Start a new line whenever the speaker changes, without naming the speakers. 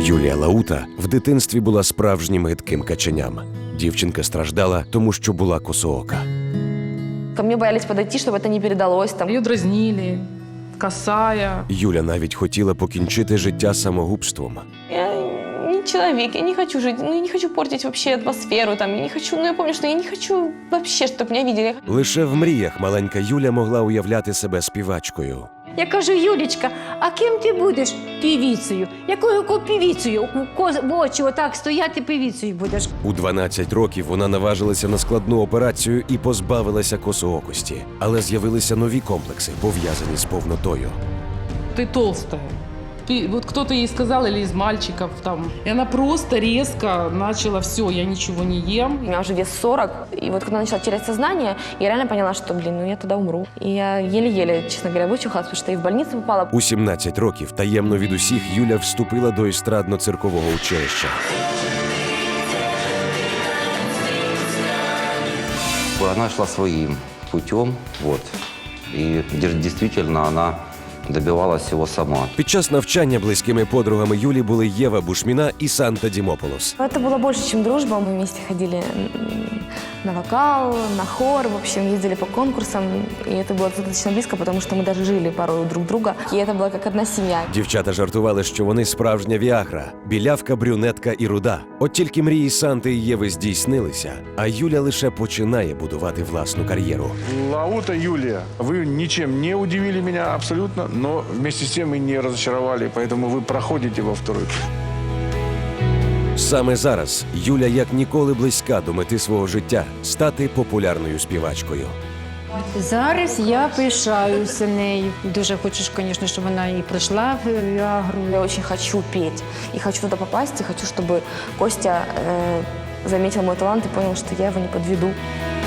Юлія Лаута в дитинстві була справжнім гидким каченям. Дівчинка страждала, тому що була косоока.
Ко мне боялись подойти, чтобы это не передалось.
Ее дразнили, косая.
Юля навіть хотіла покінчити життя самогубством.
Я не человек, я не хочу жить, я не хочу портить вообще атмосферу, я не хочу, я помню, что я не хочу вообще, чтобы меня видели.
Лише в мріях маленька Юля могла уявляти себе співачкою.
Я кажу: Юлічка, а ким ти будеш? Півіцею. Якою півіцею? В очі отак стояти, півіцею будеш.
У 12 років вона наважилася на складну операцію і позбавилася косоокості. Але з'явилися нові комплекси, пов'язані з повнотою.
Ты толстая. Вот кто-то ей сказал, или из мальчиков там. И она просто резко начала: все, я ничего не ем.
У меня уже вес 40, и вот когда я начала терять сознание, я реально поняла, что, я тогда умру. И я еле-еле, честно говоря, вычухалась, потому что я и в больницу попала.
У 17 років таємно від усіх Юля вступила до естрадно-циркового училища.
Она шла своим путем, и действительно она добивалась всего сама.
Під час навчання близькими подругами Юлі були Єва Бушміна і Санта Дімополос.
Это было больше, чем дружба. Мы вместе ходили на вокал, на хор, в общем, ездили по конкурсам. И это было достаточно близко, потому что мы даже жили порой друг друга. И это была как одна семья.
Дівчата жартували, що вони справжня віагра – білявка, брюнетка і руда. От тільки мрії Санти і Єви здійснилися, а Юля лише починає будувати власну кар'єру.
Лаута Юлия, вы ничем не удивили меня абсолютно, но вместе с тем и не разочаровали, поэтому вы проходите во второй тур.
Саме зараз Юля як ніколи близька до мети свого життя – стати популярною співачкою.
Зараз я пишаюся нею. Дуже хочу, звісно, щоб вона і пройшла в Віагру.
Я очень хочу петь и хочу туда попасть, и хочу, чтобы Костя заметил мой талант и понял, что я его не подведу.